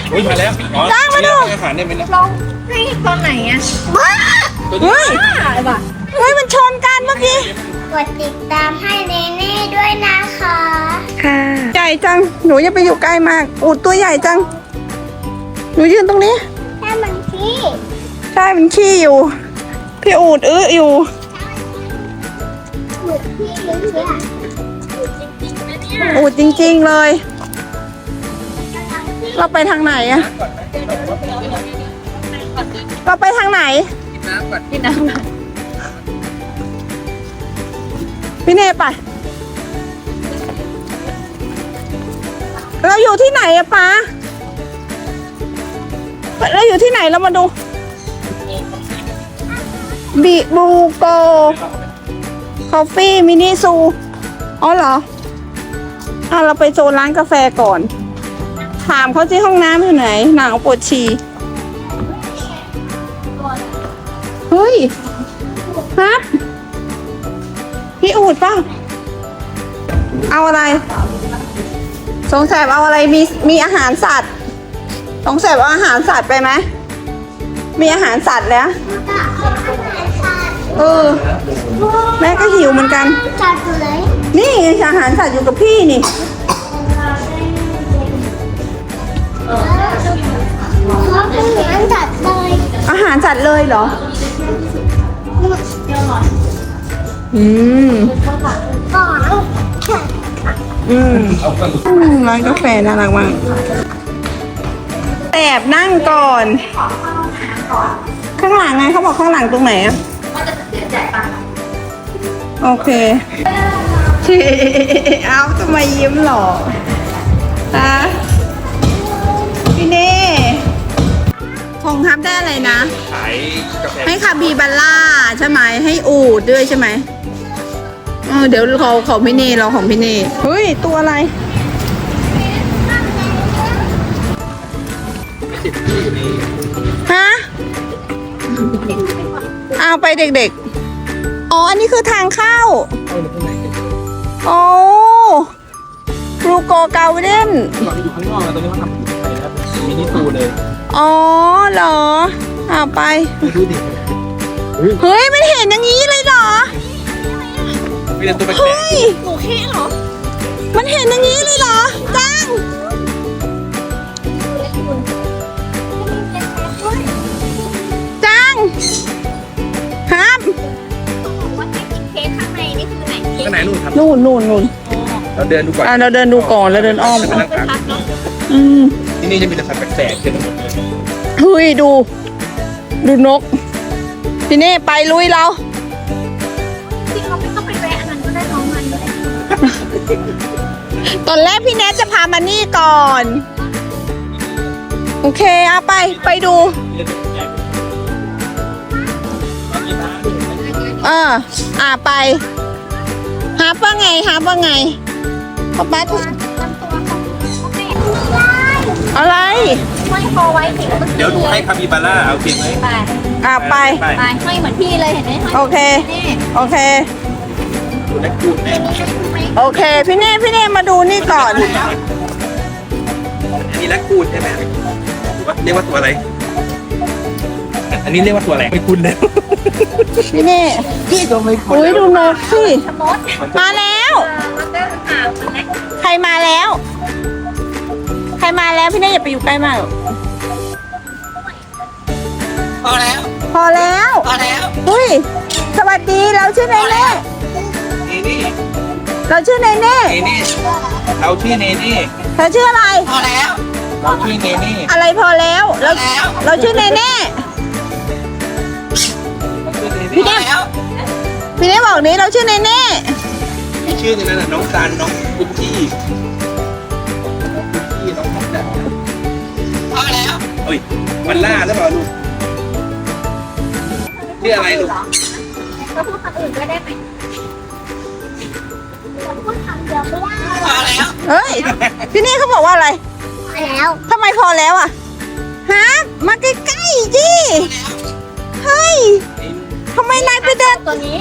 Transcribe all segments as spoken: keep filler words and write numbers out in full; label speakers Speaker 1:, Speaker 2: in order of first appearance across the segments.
Speaker 1: อุ้ยมาแล้ว
Speaker 2: จ้างมาดู
Speaker 1: อาหารได้ไหมนะ
Speaker 3: ลองให้ตอนไหนอ่ะ
Speaker 2: เฮ้ย
Speaker 3: บ้าเลยว่ะ
Speaker 2: เฮ้ยมันชนกันเมื่อกี้
Speaker 4: กดติดตามให้เนเน่ด้วยนะคะ
Speaker 2: ค่ะใหญ่จังหนูอย่าไปอยู่ใกล้มากอูดตัวใหญ่จังหนูยืนตรงนี้
Speaker 4: แค่มันที่
Speaker 2: ใช่มันขี้อยู่พี่อูดอื้ออยู่
Speaker 4: หมึกที่เลี้ยงเนี่ย
Speaker 2: อูดจริงๆเลย เราไปทางไหนอะเราไปทางไหน
Speaker 3: กินน้ำ
Speaker 2: พี่เนยไปเราอยู่ที่ไหนอะป๊าเราอยู่ที่ไหนเรามาดูบิบูโกคอฟฟี่มินิซูอ๋อเหรออ่ะเราไปโซนร้านกาแฟก่อนถามเขาที่ห้องน้ำอยู่ไหนหนาวปวดฉี่เฮ้ยฮะพี่อูดป่ะเอาอะไรสงสัยเอาอะไรมีมีอาหารสัตว์สงสัยเอาอาหารสัตว์ไปไหมมีอาหารสัตว์แล้วเออแม่ก็หิวเหมือนกัน
Speaker 4: จัดเลย
Speaker 2: นี่อาหารสัตว์อยู่กับพี่นี่
Speaker 4: เขาเป็นเหมือนจัดเลย
Speaker 2: อาหารสัตว์เลยเหรออืม
Speaker 4: ก่อน
Speaker 2: อืมร้านกาแฟน่ารักมากแอบนั่งก่อน ข้างหลังไงเขาบอกข้างหลังตรงไหนอะโอเคเอาทำไมยิ้มหรอฮะพี่เน่ของทับได้อะไรนะ
Speaker 1: ขายกาแฟ
Speaker 2: ให้คาบีบัลล่าใช่ไหมให้อูดด้วยใช่ไหมเออเดี๋ยวเขาของพี่เน่เราของพี่เน่เฮ้ยตัวอะไรฮะเอาไปเด็กๆอ๋ออันนี้คือทางเข้าโอ้รูโกเกาเดน
Speaker 1: ตอนนี้อยู่ข้างนอกแล้วตอนนี้เขาทำอยู่ในครับมินิตูเลย
Speaker 2: อ๋อเหรอเอาไป
Speaker 1: ดูดิ
Speaker 2: เฮ้ยมันเห็นอย่างนี้เลยเหรอ
Speaker 1: มีแต่ตัวแปล
Speaker 2: เฮ้
Speaker 1: ก
Speaker 2: ย
Speaker 3: หนูแค่เหรอ
Speaker 2: มันเห็นอย่างนี้เลยเหรอจังจังครับ
Speaker 3: ว่าให้กินเค้กข้างในนี่คือไหน
Speaker 1: ๆข้างในนู่นครับ
Speaker 2: นู่นนู่นนู่น
Speaker 1: เราเดินดูก่อน
Speaker 2: อ่ะเราเดินดูก่อนแล้วเดินอ้อม
Speaker 1: จะไปนั่งพัก
Speaker 3: พักเนาะ
Speaker 2: อืม
Speaker 1: ที่นี่จะมีแต่สัตว์แปลกๆเต็มไปหมดเลย
Speaker 2: เฮ้ยดู ดูนกพี่เน่ไปลุยเรา
Speaker 3: จริงเราไม่ต้องไปแวะอันนั้นก็ได้น้องมันก็ได้
Speaker 2: ตอนแรกพี่แนทจะพามานี่ก่อน โอเคเอาไปไปดู เอออ่าไปหาว่าไงหาว่าไงป๊าป๊า
Speaker 3: ลำตัวเขาแม่
Speaker 2: อะไร
Speaker 3: ห้อยคอไว้สิมัน
Speaker 1: เดี๋ยวดูให้คาบิบาร่าเอาเพียงไหม
Speaker 3: ไป
Speaker 2: อ่าไป
Speaker 1: ไป
Speaker 3: ไปห้อยเหมือนพี่เลยเห็นไหมห้อย
Speaker 2: โอเค
Speaker 3: นี่
Speaker 2: โอเค
Speaker 1: ดูแลกูดแม่
Speaker 2: โอเค พี่เน่พี่เน่มาดูนี่ก่อน
Speaker 1: อันนี้แลคคูนใช่ไหมเรียกว่าตัวอะไร อันนี้เรียกว่าตัวอะไรไม่คุ้นเลย
Speaker 2: พี่เน่
Speaker 1: พี่ก็ไม่คุ้น
Speaker 2: อุ้ยดูนกสิ
Speaker 3: ชะมด
Speaker 2: มาแล้ว
Speaker 3: มันก็หาวมันเล็ก
Speaker 2: ใครมาแล้ว ใครมาแล้วพี่เน่อย่าไปอยู่ใกล้มาก
Speaker 1: พอแล้ว
Speaker 2: พอแล้ว
Speaker 1: พอแล้ว
Speaker 2: อุ้ยสวัสดีเราชื่อเนเน่
Speaker 1: เนนี่
Speaker 2: เราชื่อเนเน่
Speaker 1: เนนี่เราชื่อเนนี่
Speaker 2: เธอชื่ออะไร
Speaker 1: พอแล้วเราชื่อเนนี่
Speaker 2: อะไรพอแล้วเราเราชื่อเนเน่
Speaker 1: พี่เน่
Speaker 2: พี่เน่บอกนี้เราชื่อเนเน่
Speaker 1: ชื่อในนั้นน่ะน้องซันน้องกุชชี่กุชชี่น้องของแดดพอแล้วเฮ้ยมันล่าหรือเปล่าลูกชื่ออะไรลูก
Speaker 3: ก็พูดคำอื่นก็ได้ไหม
Speaker 4: พูดคำเดียวไม่ได้
Speaker 1: พอแล้ว
Speaker 2: เฮ้ยพี่เน่เขาบอกว่าอะไร
Speaker 4: แล้ว
Speaker 2: ทำไมพอแล้วอ่ะฮะมาใกล้ๆดิเฮ้ยทำไมนายไปเดิน
Speaker 3: ตัวนี้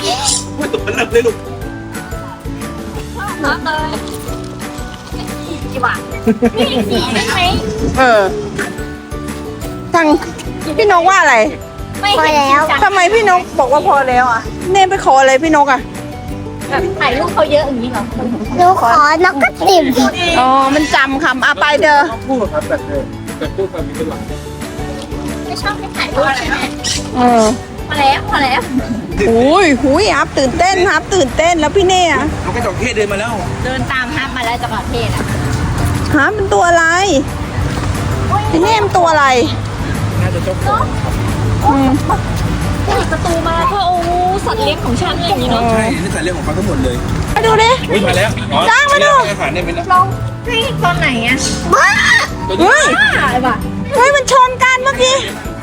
Speaker 1: ไม่ตกมันเลิกเลยลูก
Speaker 3: รับเลยดีกว่านี่อีกสีได้ไหม
Speaker 2: เออทางพี่นกว่าอะไร
Speaker 3: ไม่เห็นจริงจัง
Speaker 2: ทำไมพี่นกบอกว่าพอแล้วอ่ะเนมไปขออะไรพี่นกอ่ะ
Speaker 3: แบบถ่ายรูปเขาเยอะอย่างนี้เหรอ
Speaker 4: หนูขอนกกระติบ
Speaker 2: อ๋อมันจำคำอ่ะไปเด้อ
Speaker 1: ต้องพูดครับแบบเออแบบพูดความมีเป็นหลัก
Speaker 3: ไม่ชอบให้ถ่ายรูปใช่ไหม
Speaker 2: เออ
Speaker 3: พอแล้วพอแล้ว
Speaker 2: อุ้ยหุยฮับตื่นเต้นฮับตื่นเต้นแล้วพี่เน่อะ
Speaker 1: น้องกระจอกเทศเดินมาแล้ว
Speaker 3: เดินตามฮับมาแล้วจากประเทศอ่ะ
Speaker 2: ฮับเป็นตัวอะไรพี่เน่มันตัวอะไร
Speaker 1: น่าจะเจ้าของ
Speaker 2: อืม
Speaker 3: เปิดประตูมาก็โอ้สัตว์เลี้ยงของฉันอะไรอย่างนี้เนาะ
Speaker 1: ใช่นี่สายเรื่องของเขาทั้งหมดเลย
Speaker 2: มาดูดิ
Speaker 1: วิ่งมาแล้วอ๋อ
Speaker 2: จ้างมาดู
Speaker 1: เรียกอาหารได้ไหมนะ
Speaker 3: เราให้ตอนไหนอ่ะ
Speaker 2: เฮ้ย
Speaker 3: อะไรวะ
Speaker 2: เฮ้ยมันชนกันเมื่อกี้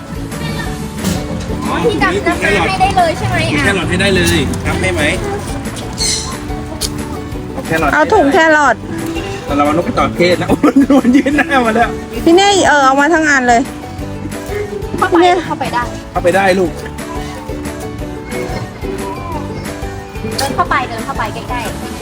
Speaker 3: ที่ดับน้ำให้ได้เลยใช่ไหม
Speaker 1: แค
Speaker 3: อ่ะ
Speaker 1: รอทให้ได้เลยครับให้ไหมเอาแครอท
Speaker 2: เอาถุงแครอท
Speaker 1: แต่เราเอานกกระจอกเทศนะโอ้โหโดนยืนหน้ามาแล้ว
Speaker 2: พี่เน่เออเอามาทั้งอันเลย
Speaker 3: เข้าไปเข้าไปได้
Speaker 1: เข้าไปได้ลูก
Speaker 3: เดินเข้าไปเดินเข้าไปใกล้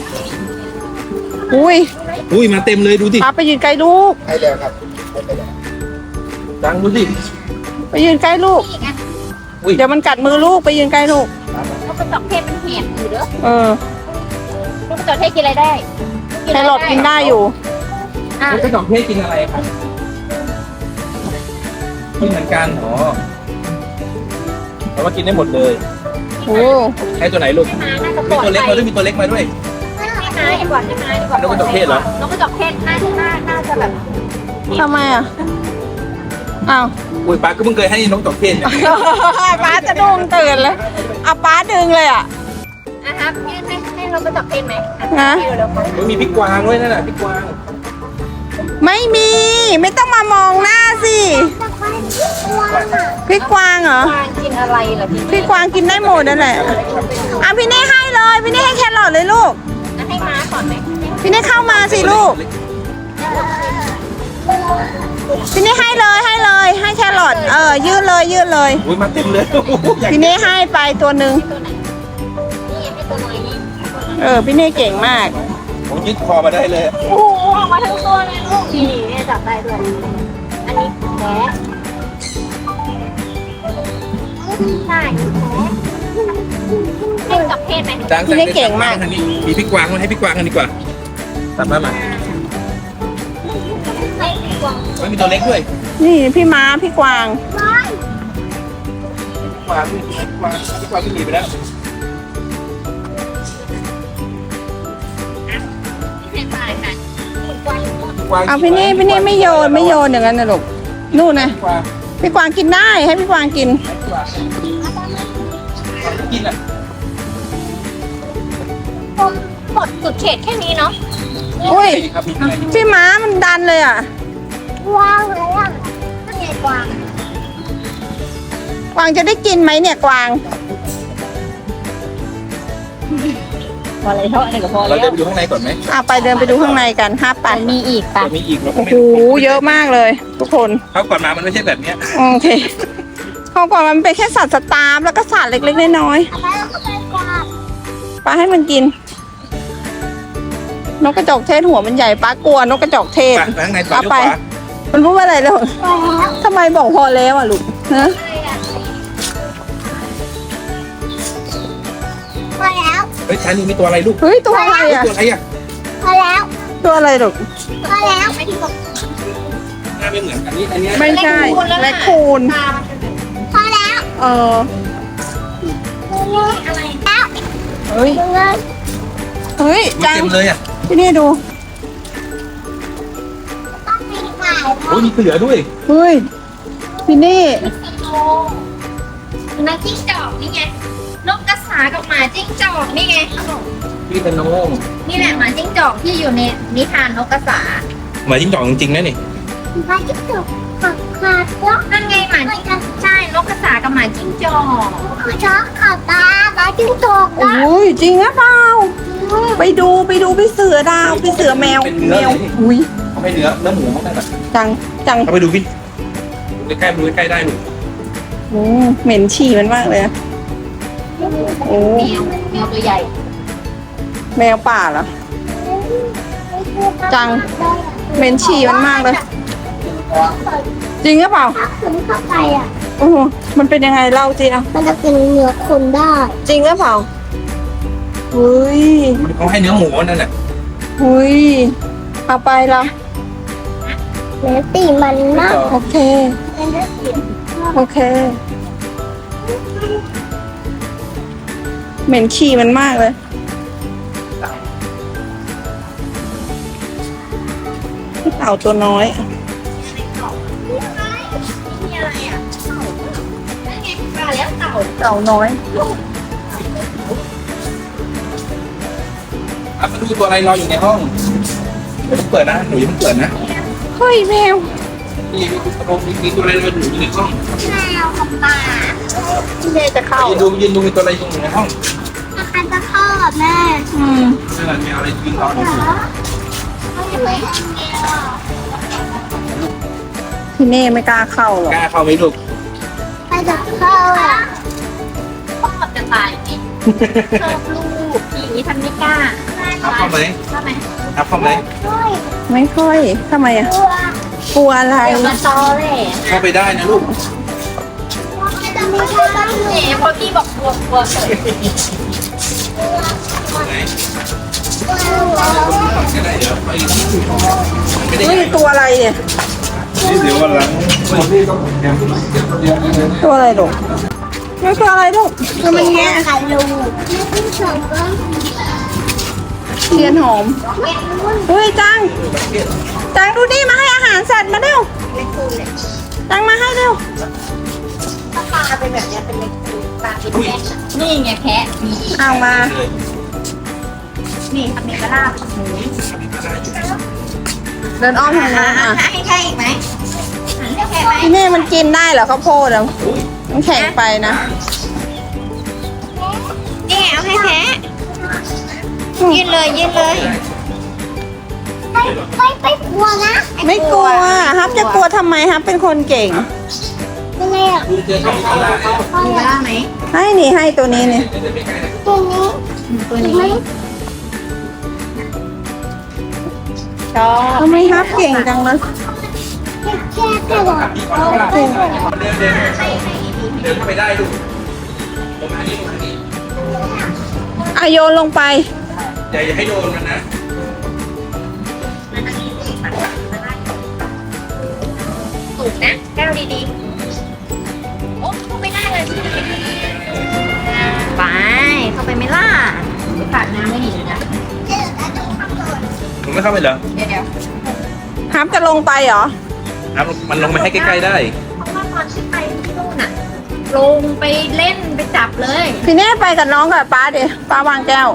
Speaker 2: อุ้ย
Speaker 1: อุ้ยมาเต็มเลยดูดิ
Speaker 2: พาไปยืนใกล้ลูก
Speaker 1: ให้แล้วครับดังดูสิ
Speaker 2: ไปยืนใกล้ลูก
Speaker 3: ๆนี่ไง
Speaker 1: อุ้ย
Speaker 2: เดี๋ยวมันกัดมือลูกไปยืนใกล้ลูก
Speaker 3: นกกระจอกเทศมันเหี่ยอยู่เด้อ
Speaker 2: เออน
Speaker 3: กกระจอกเทศกินอะไรได้
Speaker 2: แครอทกินได้อยู่
Speaker 3: อ่ะ
Speaker 1: นกกระจอกเทศกินอะไรครับกินเหมือนกันอ๋อแต่ว่ากินได้หมดเลย
Speaker 2: โอ้
Speaker 1: ให้ตัวไหนลูก
Speaker 3: ให้ม้าน่าจะป
Speaker 1: มี
Speaker 3: ลอด
Speaker 1: ตัวเล็ก
Speaker 3: ภั
Speaker 1: มาย ด้วยมีตัวเล็กมาด้วย
Speaker 3: ให้ม้าดีกว่าให้ม้าดีกว่าน
Speaker 1: กกระจอกเทศเหรอ
Speaker 3: นกกระจอกเทศน่าน่าน่าจะแบบ
Speaker 2: ทำไมอ่ะอ้าว
Speaker 1: อุ้ยป้าก็เพิ่งเคยให้นกกระจอกเทศเนี่ย
Speaker 2: ป้าจะดุ้งตื่นเลยเอาป้าดึงเลยอ่ะ
Speaker 3: อ่ะครับยื่นให้ให้นกกระจอกเทศไหมอ่
Speaker 2: นะ
Speaker 3: ให้เร็วๆก่อน
Speaker 1: มันมีพริกกวางด้วยนั่นแหละพริกกวาง
Speaker 2: ไม่มีไม่ต้องมามองหน้าสิพี่กวางเหรอ
Speaker 3: กวางกินอะไรเหรอพี่
Speaker 2: พี่กวางกินได้หมดนั่นแหละอ่ะพี่เน่ให้เลยพี่เน่ให้แครอทเลยลูก
Speaker 3: อ่ะให้ม้าก่อนไหม
Speaker 2: พี่เน่เข้ามาสิลูกพี่เน่ให้เลยให้เลยให้แครอทเออยื่นเลยยื่นเลย
Speaker 1: อุ้ยมาเต็มเลยอยาก
Speaker 2: พี่เน่ให้ไปตัวหนึ่ง
Speaker 3: ตัวไหนนี่ให้ตัวน้อยนี่
Speaker 2: เออพี่เน่เก่งมาก
Speaker 1: ผมยึดคอมาได้เลย
Speaker 3: โอ้โหออกมาทั้งตัวเลยลูกนี่เนี่ยจับได้ด้วยอันนี้แพ้ใช่แพ้ให้กับเพศไหม
Speaker 1: ดังมีพริกกวางมาให้พริกกวางกันดีกว่าตัดมามา
Speaker 3: ให้กวาง
Speaker 1: ไม่มีตัวเล็กด้วย
Speaker 2: นี่พี่ม้าพี่กวาง
Speaker 1: กวางพริกกวางพริกกวางที่หนีไปแล้ว
Speaker 3: เพศตายค่ะกวาง
Speaker 1: กวาง
Speaker 2: เอาพี่เน่พี่เน่ไม่โยนไม่โยนอย่างนั้นนะลูกนู่นนะ
Speaker 1: กวาง
Speaker 2: พี่กวางกินได้ให้พี่กวางกิน
Speaker 1: กวางกินอ่ะ
Speaker 3: หมดสุดเขตแค่นี้เนาะ
Speaker 2: อุ้ย
Speaker 1: ครับมีอะไร
Speaker 2: พี่ม้ามันดันเลยอ่ะ
Speaker 4: ว้าวเลยอ่ะ
Speaker 3: นั่นไงกวาง
Speaker 2: กวางจะได้กินไหมเนี่ยกวาง
Speaker 3: พอเลยเท่าอันนี้ก็พอ
Speaker 1: เรา
Speaker 3: แล้ว
Speaker 1: เดินไปดูข้างในก่อนไหม
Speaker 2: อ่ะไปเดินไปดูข้างในกันห้าไป
Speaker 3: มีอีกปะ
Speaker 1: เดี๋ยวมีอีกเราก็
Speaker 2: โอ้
Speaker 1: ไม่
Speaker 2: โห
Speaker 1: รู้
Speaker 2: เยอะมากเลย ทุกคน
Speaker 1: เขาก่อนมามันไม่ใช่แบบเนี้ย
Speaker 2: โอเคเขาก่อนมันเป็นแค่สัตว์สตาร์ฟแล้วก็สัตว์เล็กๆน้อย
Speaker 4: ไปแล้วก็ไปกวาด
Speaker 2: ๆปลาให้มันกิน นกกระจอกเทศหัวมันใหญ่ป้ากลัวนกกระจอกเทศ
Speaker 1: ไปข้างในต่อ
Speaker 2: เอา
Speaker 1: เลี้ยว
Speaker 2: ไป
Speaker 1: ขวา
Speaker 2: มันพูดว่าอะไรลูก
Speaker 4: ไปแล้ว
Speaker 2: ทำไมบอกพอแล้วอ่ะลูกฮะ
Speaker 4: ไปแล้ว
Speaker 1: เฮ้ยชานี่มีตัวอะไรลูก
Speaker 2: เฮ้ยตัวอะไรอ่ะ
Speaker 1: ตัวอะไรอ่ะ
Speaker 4: ไปแล้ว
Speaker 2: ตัวอะไรลูก
Speaker 4: ไปแล้ว
Speaker 3: ไม่ที่บอก
Speaker 1: หน้าไม่เหมือนกันนี่อันเนี้ย
Speaker 2: ไม่ใช่แรคคูน
Speaker 3: ตา
Speaker 4: พอแล้ว
Speaker 2: เออ
Speaker 3: อะไร
Speaker 4: แล้ว
Speaker 2: เฮ้ย
Speaker 4: ดูเลย
Speaker 2: เฮ้ย
Speaker 1: มัน
Speaker 2: จัง
Speaker 1: เต็มเลยอ่ะ
Speaker 2: ที่นี่ดู
Speaker 4: ต้องมีขาย
Speaker 1: โอ้ยมีเสือด้วย
Speaker 2: เฮ้ยพี่นี่
Speaker 3: นักจิ้งจอกนี่ไงนกกระสากับหมาจิ้งจอกนี่ไง
Speaker 1: พี่เป็นน้อง
Speaker 3: นี่แหละหมาจิ้งจอกที่อยู่ในนิทานนกกระสา
Speaker 1: หมาจิ้งจอกจริงๆนะนี่
Speaker 4: มาจิ้งจกขับขาดแล้ว
Speaker 3: นั่นไงหมาจิ้งจอกใช่นกกระสากับหมาจิ้งจอก
Speaker 4: คือช็อกขับตามาจิ้งจก
Speaker 2: โอ้ยจริงหรือเปล่าไปดูไปดูพี่เสือดาวพี่เสือแมวแมวอุ้ย
Speaker 1: เขาให้เนื้อเนื้อหมูเขาได้แบบ
Speaker 2: จังจัง
Speaker 1: เขาไปดูพี่ใกล้ๆดูใกล้ๆได้หนู
Speaker 2: โอ้เหม็นฉี่มันมากเลยอะโอ้
Speaker 3: แมวแมวตัวใหญ่
Speaker 2: แมวป่าเหรอ จัง
Speaker 3: น
Speaker 2: เหม็นฉี่มันมากเลย จริงหรือเปล่า
Speaker 4: ถ้าคืนเข้าไปอ่ะ
Speaker 2: โอ้โหมันเป็นยังไงเล่าจีอ่ะ
Speaker 4: มันจะเป็นเนื้อคนได้
Speaker 2: จริงหรือเปล่าหุย
Speaker 1: เขาให้เนื้อหมูนั่นแหละ
Speaker 2: หุยเอาไปละ
Speaker 4: เนื้อตีมันมาก
Speaker 2: โอเค
Speaker 4: เป็นเนื้อเสียง
Speaker 2: โอเค เหม็นขี้มันมากเลย เต่าตัวน้อย
Speaker 3: มีอะไรอ่ะนั่นไงปลาแล้วเต่า
Speaker 2: เต่าน้อย
Speaker 1: อ่ะมาดูตัวอะไรรออยู่ในห้องเดี๋ยวเพิ่งเปิดนะหนูอย่าเพิ่งเปิดนะ
Speaker 2: เฮ้ยแมว
Speaker 1: นี่มีตัวมีตัวอะไรรออยู่ในห้อง
Speaker 4: แมวกับปลา
Speaker 2: พี่เมย์จะเข้า
Speaker 1: ยืนดูยืนดูมีตัวอะไรอยู่ในห้อง
Speaker 4: อาคารจะเข้ากับแม่
Speaker 2: อืม
Speaker 1: นั่นแหละมีอะไรยืนรออยู่
Speaker 4: เขาจะไม่ทำเอง
Speaker 2: พี่เน่ไม่กล้าเข้าหรอก
Speaker 1: กล้าเข้าไหมลูก
Speaker 4: ใครจะเข้าอ่ะ
Speaker 3: ชอบจะตายจริงชอบลูกอย่างนี้ทำไม่กล้า
Speaker 1: อัพเข้าไหม
Speaker 3: ทำไม
Speaker 1: อัพเข้าไหม
Speaker 4: ด้วย
Speaker 2: ไม่ค่อยทำไมอ่ะ
Speaker 4: ตัว
Speaker 2: กลัวอะไร
Speaker 3: เดี๋ยวมาตอแหละ
Speaker 1: เข้าไปได้นะลูก
Speaker 4: จะไม่ใช่บ้าน
Speaker 3: เอ๋พอพี่บอกกลัวกลัวเฉย
Speaker 1: ไหน
Speaker 4: ตัว
Speaker 1: ก็ได้เดี๋ยวไปที่อื่นไม่ได้
Speaker 2: เฮ้ยตัวอะไรเนี่ย
Speaker 1: เดี๋ยววันหลัง
Speaker 2: ตัวอะไรลูกไม่ตัวอะไรลูกคือมันแง่
Speaker 4: ค่ะลูกไม่ต้องสอนก็
Speaker 2: เทียนหอม เฮ้ยจัง จังดูนี่มาให้อาหารสัตว์มาเร็วจังมาให้เร็ว
Speaker 3: ถ้าปลาเป็นแบบเนี้ยเป็นเล็กปลาเป็นแค่นี่ไงแพะมี
Speaker 2: เอามา
Speaker 3: นี่ทำมีกระลาบหมู
Speaker 2: เดินอ้อมทางนู้นอ่ะ
Speaker 3: ให้แค่อีกไหมให้แค่ไหม
Speaker 2: พี่เน่มันกินได้เหรอข้าวโพดอ่ะมันแข็งไปนะ
Speaker 3: นี่เอาให้แพ้ยืนเลยยืนเลย
Speaker 4: ไม่ไม่ไม่กลัวนะ
Speaker 2: ไม่กลัวฮับจะกลัวทำไมฮับเป็นคนเก่ง
Speaker 4: เป็นไงอ่ะ
Speaker 1: ดูเจอเขาอะไร
Speaker 3: มีกระลาบไหม
Speaker 2: ให้นี่ให้ตัวนี้นี่
Speaker 4: ตัวนี้
Speaker 3: ตัวนี้ชอบ
Speaker 2: ทำไมฮับเก่งจังเลย
Speaker 4: แค่แค่แค่ก่อน
Speaker 1: เดินเดินเดินเดินเข้าไปได้ลูกลงมานี่ลงมานี่
Speaker 2: อะโยนลงไป
Speaker 1: อย่าอย่าให้โดนมันนะ
Speaker 3: สูงนะแก้วดีๆโอ้เข้าไม่ได้เลยไปเข้าไปไม่ล่ะฝากน้ำไม่ดีนะ
Speaker 1: หนูไม่เข้าไปเหรอ
Speaker 3: เดี๋ยวเดี๋ยว
Speaker 2: ฮับจะลงไปเหรอ
Speaker 1: ครับมันลงไปให้ใกล้ๆได้
Speaker 3: เพราะว่าตอนขึ้นไปที่นู่นน่ะ ลงไปเล่นไปจับเลย
Speaker 2: พี่เน่ไปกับน้องกับป้าดิป้าวางแก้ว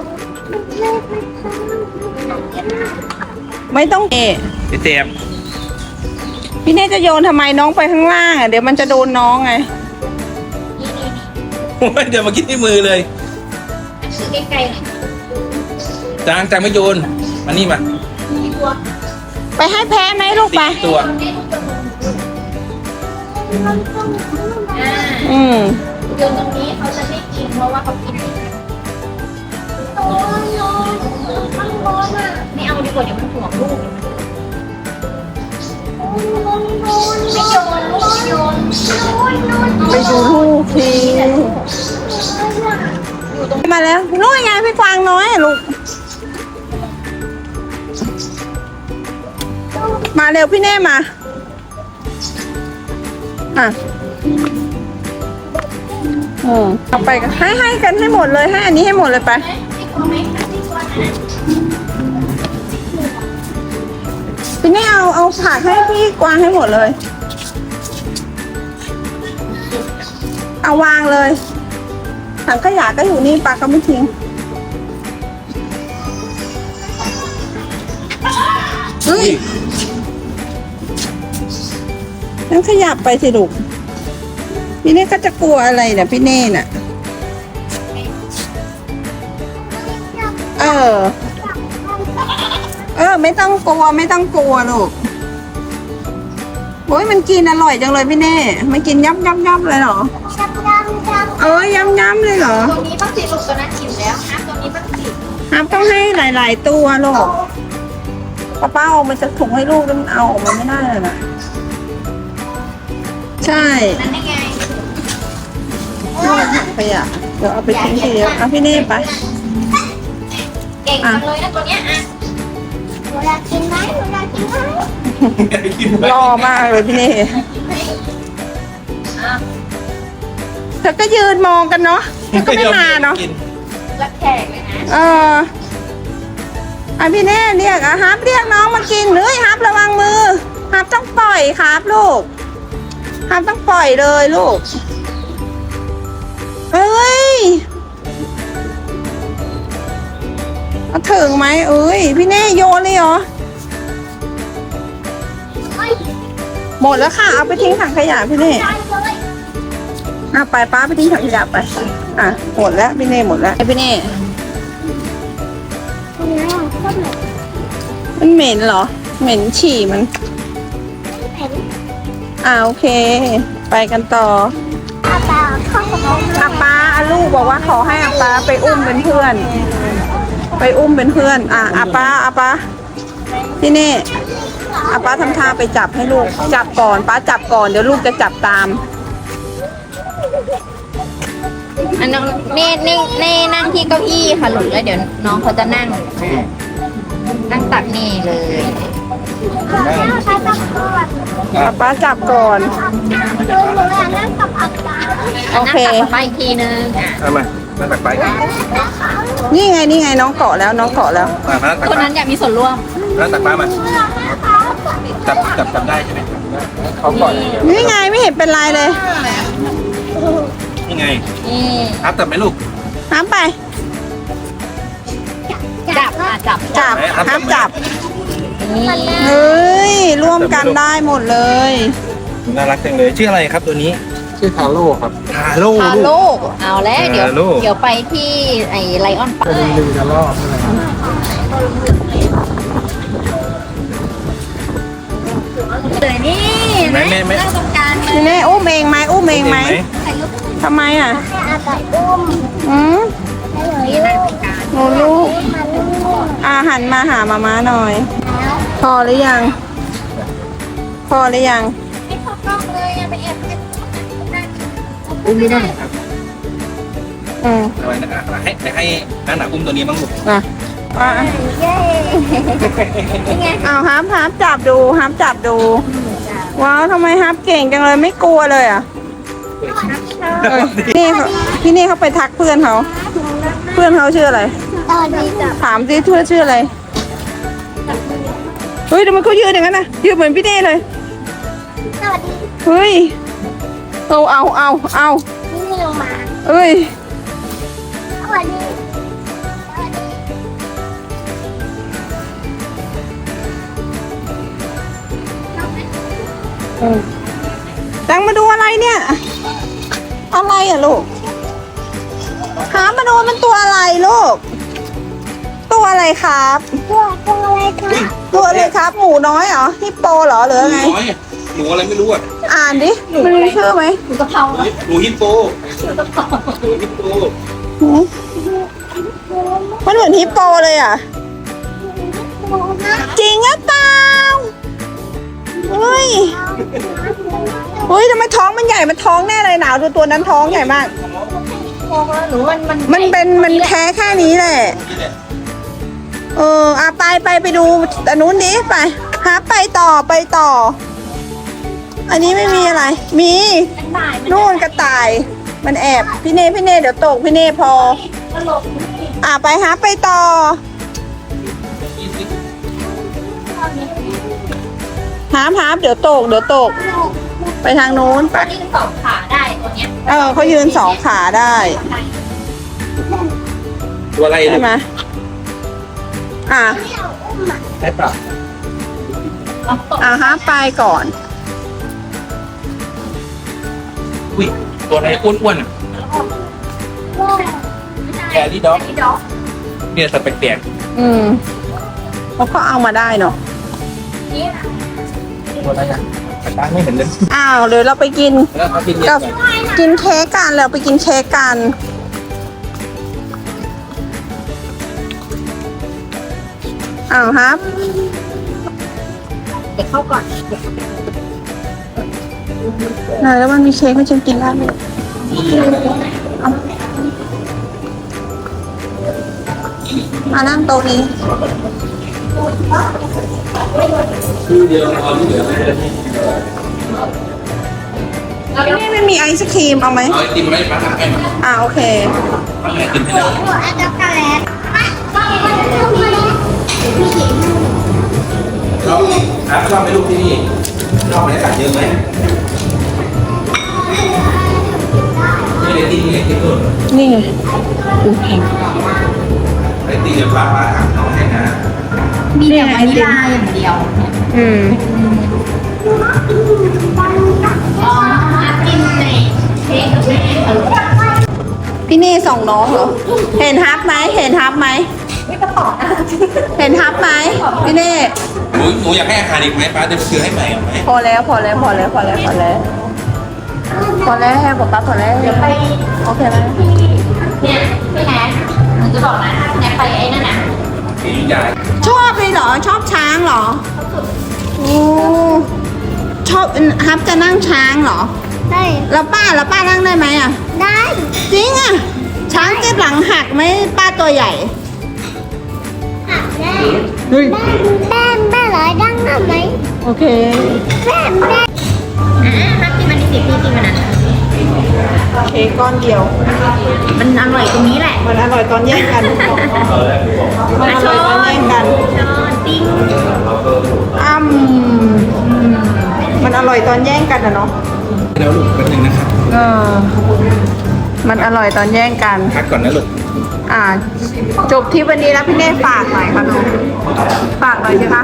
Speaker 2: ไม่ต้องเอะ
Speaker 1: เจ็บ
Speaker 2: พี่เน่จะโยนทำไมน้องไปข้างล่างอ่ะเดี๋ยวมันจะโดนน้องไง
Speaker 1: โอ้ยเดี๋ยวมากินที่มือเลย
Speaker 3: คือใกล้ๆหน่อย
Speaker 1: จางจางไม่โยนมานี่มา
Speaker 3: มีตัว
Speaker 2: ไปให้แพ้ไหมลูกไป
Speaker 1: สี่ตัว
Speaker 3: อ่า
Speaker 2: อืม
Speaker 3: โยนตรงนี้เขาจะไม่กินเพราะว่าเขากิน
Speaker 4: ตัวโยนข้างบนอ่ะ
Speaker 3: ไม่เอาดีกว่าเดี๋ยวมันห่วงลูก
Speaker 4: โยนโยน
Speaker 3: ไม่โยนลูกไม่โยน
Speaker 2: ไปดูลูกทีมาแล้วนู่นไงพี่กวางน้อยอะลูก มาเร็วพี่เน่มา อ่ะอืมเอาไปกันให้ให้กันให้หมดเลยให้อันนี้ให้หมดเลยไป
Speaker 3: ไม่กลัวไหมไม่กลัวนะ
Speaker 2: พี่เน่เอาเอาผักให้พี่กวางให้หมดเลย เอาวางเลยถังขยะก็อยู่นี่ปลาก็ไม่ทิ้งเฮ้ยนั่นขยับไปสิลูกพี่เน่ก็จะกลัวอะไรเนี่ยพี่เน่น่ะ เออ เออ ไม่ต้องกลัวไม่ต้องกลัวลูกโอ้ยมันกินอร่อยจังเลยพี่เน่มันกินยับยับยับเลยเหรอ
Speaker 4: จับดำจับ
Speaker 2: เออย้ำย้ำเลยเหรอ
Speaker 3: ตัวนี้บ้างสิลูกตัวนั้นกินแล้วนะตัวนี้บ้างสิ
Speaker 2: ครับต้องให้หลาย ๆ ตัวลูกป้าป้าเอามันจะถุงให้ลูกแล้วมันเอาออกมาไม่ได้เลยนะใช่
Speaker 3: นั่นได้ไง
Speaker 2: ลูกถังขยะเดี๋ยวเอาไปทิ้งทีเดียวเอาพี่เน่ไป
Speaker 3: เก่งจังเลยนะตัวเนี้ยอ่ะ
Speaker 4: หนูอยากกินไหมหนูอยากกินไหม
Speaker 2: รอมากเลยพี่เน่
Speaker 3: อ่ะ
Speaker 2: เธอก็ยืนมองกันเนาะเธอก็ไม่มาเนาะ
Speaker 3: รับแขกเลยนะ
Speaker 2: เอออ่ะพี่เน่เรียกอ่ะฮับเรียกน้องมากินเฮ้ยฮับระวังมือฮับต้องปล่อยครับลูกฮับต้องปล่อยเลยลูกเอ้ยเอาถึงไหมเอ้ยพี่เน่โยนเลยเหรอหมดแล้วค่ะเอาไปทิ้งถังขยะพี่เน่อ่ะไปป้าไปทิ้งถังขยะไปอ่ะหมดแล้วพี่เน่หมดแล้วพี่เน่
Speaker 4: ตรงนี้ก็เหมือน
Speaker 2: มันเหม็นเหรอ เหม็นฉี่มัน
Speaker 4: แผ่น
Speaker 2: อ่าโอเค ไปกันต่อ
Speaker 4: อาปาเข้ากับน้อง
Speaker 2: อาป้าอาลูกบอกว่าขอให้อาป้าไปอุ้มเป็นเพื่อน ไปอุ้มเป็นเพื่อน อ่ะอาป้าอาป้าที่นี่อาป้าทำท่าไปจับให้ลูก จับก่อนป้าจับก่อนเดี๋ยวลูกจะจับตาม
Speaker 3: อันน้องเน่เน่เน่นั่งที่เก้าอี้ค่ะลูกแล้วเดี๋ยวน้องเขาจะนั่งนั่งตักเน่เลย
Speaker 4: ใช้ตะกร้อ
Speaker 2: อาป้าจับก่อน
Speaker 4: หนูหนูอยากนั่งกับอาปา
Speaker 2: โอเค
Speaker 3: นั่งตักไปอีกทีนึงอ่ะ
Speaker 1: เอามานั่งตักไปกัน
Speaker 2: นี่ไงนี่ไงน้องเกาะแล้วน้องเกาะแล้ว
Speaker 1: มามานั่งตัก
Speaker 3: คน
Speaker 1: ปลา
Speaker 3: นั้นอยากมีส่วนร่วม
Speaker 1: นั่งตักปลามาจับจับจับได้ใช่ไหมเขาก่อน
Speaker 2: นี่ไงไม่เห็นเป็นไรเลย
Speaker 1: นี่ไง
Speaker 3: นี่
Speaker 1: ครับจับไหมลูก
Speaker 2: ห้ามไป
Speaker 3: จับอ่ะจับ
Speaker 2: จับห้ามจับ
Speaker 3: นี่
Speaker 2: เฮ้ยร่วมกันได้หมดเลย
Speaker 1: น่ารักจังเลยชื่ออะไรครับตัวนี้ ชื่อทาโร่ครับทาโร่
Speaker 2: พา
Speaker 1: ลูก
Speaker 2: ลูก
Speaker 3: เอาแล้วเดี๋ยว
Speaker 1: อ่าลูก
Speaker 3: เดี๋ยวไปที่ไอ้ไลออนปาร์ค
Speaker 1: ลืมจะรอบใช่ไหมครับ
Speaker 3: เลยนี่
Speaker 1: แม่แม่แม่
Speaker 3: นั่งตรงกลางเล
Speaker 2: พี่
Speaker 3: ย
Speaker 2: เน่อุ้มเองไหมอุ้มเองไหมทำไมอ่ะ
Speaker 4: ให้อาปาอุ้ม
Speaker 2: อืม
Speaker 4: ให้หนูลูก
Speaker 2: หนูลูก
Speaker 4: มาลูก
Speaker 2: อาหันมาหามาม่าหน่อย พอหรือยัง พอหรือยัง
Speaker 3: ไม่ชอบกล้องเลยอย่าไปแอบเล่น
Speaker 1: อุ้มไม่ได้ครับ
Speaker 2: อืม
Speaker 1: เอาไว้นะอ่ะให้ให้นั่งหนาอุ้มตัวนี้บ้างลูก
Speaker 2: อ่ะอ่ะ
Speaker 4: เย้
Speaker 2: เอาฮับฮับจับดูฮับจับดู ว้าวทำไมฮับเก่งจังเลยไม่กลัวเลยอ่ะเออนี่เขาพี่นี่เขาไปทักเพื่อนเขา เพื่อนเขาชื่ออะไร
Speaker 4: ตอนนี้จับ
Speaker 2: ถามสิเพื่อนชื่ออะไร เฮ้ยทำไมเขายืนอย่างนั้นนะยืนเหมือนพี่เน่เลย
Speaker 4: สวัสดี
Speaker 2: เฮ้ย เอาเอาเอาเอา
Speaker 4: นี่ลงมา
Speaker 2: เอ้ย
Speaker 4: สวัสดีสวัสดี
Speaker 2: แตงมาดูอะไรเนี่ย อะไรอ่ะลูก หามาดูมันตัวอะไรลูก ตัวอะไรครับ
Speaker 4: ตัวตัวอะไรคะ
Speaker 2: ตัวอะไรครับ หมูน้อยเหรอฮิปโปเหรอหรือ
Speaker 1: หนู
Speaker 2: ไง
Speaker 1: น้อยอะหนูอะไรไม่รู้อ่ะ
Speaker 2: อ่านดิมันมีชื่อไหม
Speaker 3: หนูกะเพรา
Speaker 1: หนูฮิปโปหนูฮิปโป
Speaker 2: หืมมันเหมือนฮิปโปเลยอ่ะ จริงหรือเปล่าเฮ้ยเฮ้ยทำไมท้องมันใหญ่มันท้องแน่เลยหนาวดูตัวนั้นท้องใหญ่มาก
Speaker 3: โอ้หนูมันมัน
Speaker 2: มันเป็นมันแค่แค่นี้แหละ
Speaker 1: นี่แหละ
Speaker 2: เอออาไปไปไปดูอันนู้นดิไปหาไปต่อไปต่อ อันนี้ไม่มีอะไร มี
Speaker 3: เป็นบ่ายมัน
Speaker 2: นู่นกระต่าย มันแอบพี่เน่พี่เน่เดี๋ยวตกพี่เน่พอ
Speaker 3: ตลก
Speaker 2: อ่าไปหาไปต่อหาหาเดี๋ยวตกเดี๋ยวตก ไปทางนู้นไป
Speaker 3: ตัวนี้สองขาได้ตัวเนี้ย
Speaker 2: เออเขายืนสองขาได้
Speaker 1: ตัวอะไรลู
Speaker 2: ใช่
Speaker 1: ก
Speaker 2: ไหมอ่า
Speaker 1: ใช่ปะ
Speaker 3: เอาตก
Speaker 2: อ่าฮะไปก่อน
Speaker 1: อุ้ยตัวอะไรอ้วนๆอ่ะแครี่ด็อก
Speaker 3: ที่ดอก
Speaker 1: เนี่ยสัตว์แปลก
Speaker 2: อืมเขาก็เอามาได้เนาะ
Speaker 3: นี่นะ
Speaker 1: ๆตัวอะไรอ่ะแต่ตาไม่เห็นเลย
Speaker 2: อ้าวเดี๋ยวเราไปกิน
Speaker 1: แล้วเขากินเย
Speaker 2: กั
Speaker 1: อะ
Speaker 2: บ
Speaker 1: ก่อน
Speaker 2: กินเค้กกันเราไปกินเค้กกันอ้าวครับ
Speaker 3: เด็กเข้าก่อน
Speaker 2: ไหนแล้วมันมีเค้กให้ฉันกินได้ไหมเอามานั่งโต๊ะนี้
Speaker 1: ชื่อเดียวเอาที่เหลือไม่ได้
Speaker 2: นี่ไม่มีไอศครีมเอาไหม
Speaker 1: เอาไอติมไม่มาทำให้มา
Speaker 2: อ่าโอเค
Speaker 1: ทำไอติมให้เรา
Speaker 4: อันช็อกโกแลตช็อกโกแลต
Speaker 1: ชอบครับชอบไหมลูกที่นี่ชอบไหมตัดเยอะไหมนี่ไอติมนี่ไอติมด้วย
Speaker 2: นี่ไงดูแพง
Speaker 1: ไอติมเดี๋ยวป้าป้าถามน้องให้นะ
Speaker 3: มีแต่วานิลาอย่างเดียว
Speaker 2: อืม
Speaker 3: อ๋อกินในเค้กกับแม่ค่ะลูก
Speaker 2: พี่เน่ส่งน้องเหรอ เห็นฮับไหมเห็นฮับไหม
Speaker 3: ไม่กระป๋องนะ
Speaker 2: เห็นฮับไหมพี่เน่
Speaker 1: หนูหนูอยากให้อาหารอีกไหมป้าจะซื้อให้ใหม่เอาไหม
Speaker 2: พอแล้วพอแล้วพอแล้วพอแล้วพอแล้วพอแล้วให้บอกป้าพอแล้ว
Speaker 3: เดี๋ยวไป
Speaker 2: โอเคไหม
Speaker 3: เนี่ยพี่แนทหนูจะบอกนะพี่แนทไปไอ้นั่นน่ะ
Speaker 1: สีใหญ่
Speaker 2: ชอบเลยเหรอชอบช้างเหรอโอ้ชอบฮับจะนั่งช้างเหรอ
Speaker 4: ได้
Speaker 2: แล้วป้าแล้วป้านั่งได้ไหมอ่ะ
Speaker 4: ได้
Speaker 2: จริงอ่ะ ช้างจะหลังหักไหมป้าตัวใหญ่
Speaker 4: หักแม่
Speaker 2: เฮ้ย
Speaker 4: แม่แม่ร้อยดังทำไหม
Speaker 2: โอเค
Speaker 4: แม่แม่
Speaker 3: อ่าฮักที่มันดิบพี่กินมันนั้น
Speaker 2: เค้กก้อนเดียว
Speaker 3: มันอร่อยตรงนี้แหละ
Speaker 2: มันอร่อยตอนแย่งกัน มันอร่อยตอนแย่งกัน
Speaker 3: ช้อนติ้ง
Speaker 2: อ้ำมันอร่อยตอนแย่งกันอะเนาะ
Speaker 1: แล้วลูกแป๊บนึงนะครับ
Speaker 2: เออ มันอร่อยตอนแย่งกัน
Speaker 1: พักก่อนนะลูก
Speaker 2: อ่า จบที่วันนี้แล้วพี่เน่ฝากหน่อยค่ะลูกฝากหน่อยสิคะ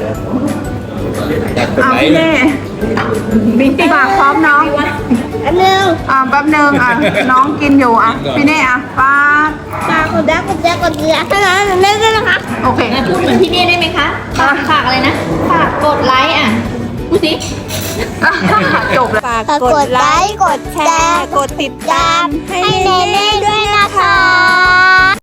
Speaker 1: อยากกด
Speaker 2: เอา
Speaker 1: ไล
Speaker 2: พี่
Speaker 1: ค์
Speaker 2: เน่ฝากพร้อมน้อง
Speaker 4: อันหนึ่ง
Speaker 2: อ่าแป๊บนึงอ่ะ น้องกินอยู่อ่ะ พี่เน่อ่ะฝาก
Speaker 4: ฝากกดได้กดได้กดได้ให้ร้านเล่นด้วยนะคะ
Speaker 2: โอเค
Speaker 3: พูดเหมือนพี่เน่ได้ไหมคะ ฝากฝากอะไรนะ ฝากกดไลค์อ่ะพูดสิ
Speaker 2: จบแล้วฝาก
Speaker 4: ฝากกดไลค์ กดแชร์
Speaker 2: กดติดตาม
Speaker 4: ให้เนเน่ด้วยนะคะ